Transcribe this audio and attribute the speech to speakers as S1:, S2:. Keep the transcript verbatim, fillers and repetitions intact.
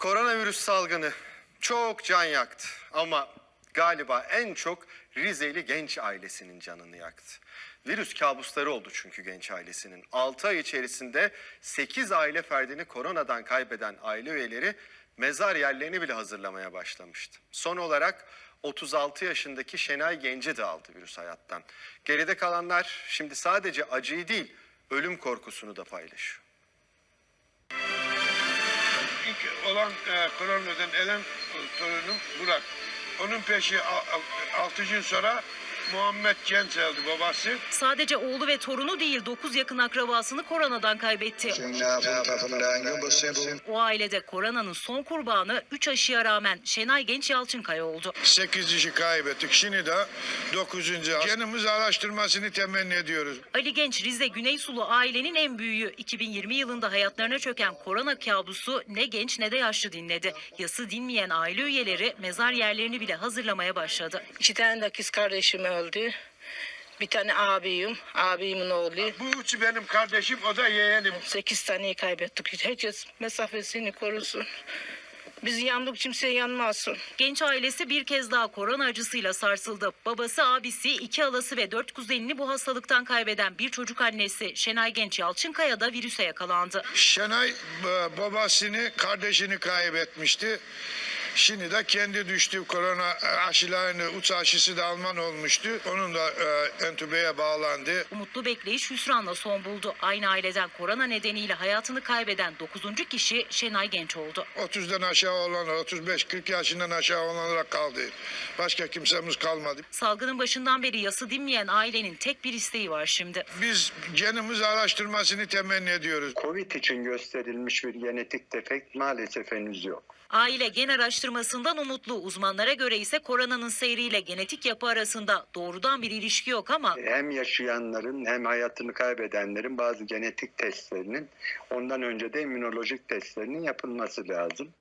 S1: Koronavirüs salgını çok can yaktı ama galiba en çok Rizeli genç ailesinin canını yaktı. Virüs kabusları oldu çünkü genç ailesinin. altı ay içerisinde sekiz aile ferdini koronadan kaybeden aile üyeleri mezar yerlerini bile hazırlamaya başlamıştı. Son olarak otuz altı yaşındaki Şenay Genci de aldı virüs hayattan. Geride kalanlar şimdi sadece acıyı değil, ölüm korkusunu da paylaşıyor.
S2: İlk olan e, koronadan ölen e, torunum Burak. Onun peşi altı gün sonra Muhammed Genç aldı babası.
S3: Sadece oğlu ve torunu değil dokuz yakın akrabasını koronadan kaybetti. O ailede koronanın son kurbanı üç aşıya rağmen Şenay Genç Yalçınkaya oldu.
S2: sekiz kişi kaybettik. Şimdi de dokuzuncu Genimiz araştırmasını temenni ediyoruz.
S3: Ali Genç Rize Güneysulu ailenin en büyüğü. iki bin yirmi yılında hayatlarına çöken korona kabusu ne genç ne de yaşlı dinledi. Yası dinmeyen aile üyeleri mezar yerlerini bile hazırlamaya başladı.
S4: İki tane de kız kardeşim öldü. Bir tane abim, abimin oğlu.
S2: Bu üçü benim kardeşim, o da yeğenim.
S4: Sekiz taneyi kaybettik. Herkes mesafesini korusun. Biz yandık, kimse yanmasın.
S3: Genç ailesi bir kez daha korona acısıyla sarsıldı. Babası, abisi, iki halası ve dört kuzenini bu hastalıktan kaybeden bir çocuk annesi Şenay Genç Yalçınkaya da virüse yakalandı.
S2: Şenay e, babasını, kardeşini kaybetmişti. Şimdi de kendi düştü. Korona aşılarını, uç aşısı da Alman olmuştu. Onun da e, entübeye bağlandı.
S3: Umutlu bekleyiş hüsranla son buldu. Aynı aileden korona nedeniyle hayatını kaybeden dokuzuncu kişi Şenay Genç oldu.
S2: otuzdan aşağı olanlar, otuz beş kırk yaşından aşağı olanlara kaldı. Başka kimsemiz kalmadı.
S3: Salgının başından beri yası dinmeyen ailenin tek bir isteği var şimdi.
S2: Biz genimiz araştırmasını temenni ediyoruz.
S5: Covid için gösterilmiş bir genetik defekt maalesef henüz yok.
S3: Aile gen araştırmasından umutlu. Uzmanlara göre ise koronanın seyriyle genetik yapı arasında doğrudan bir ilişki yok ama
S5: Hem yaşayanların hem hayatını kaybedenlerin bazı genetik testlerinin ondan önce de immünolojik testlerinin yapılması lazım.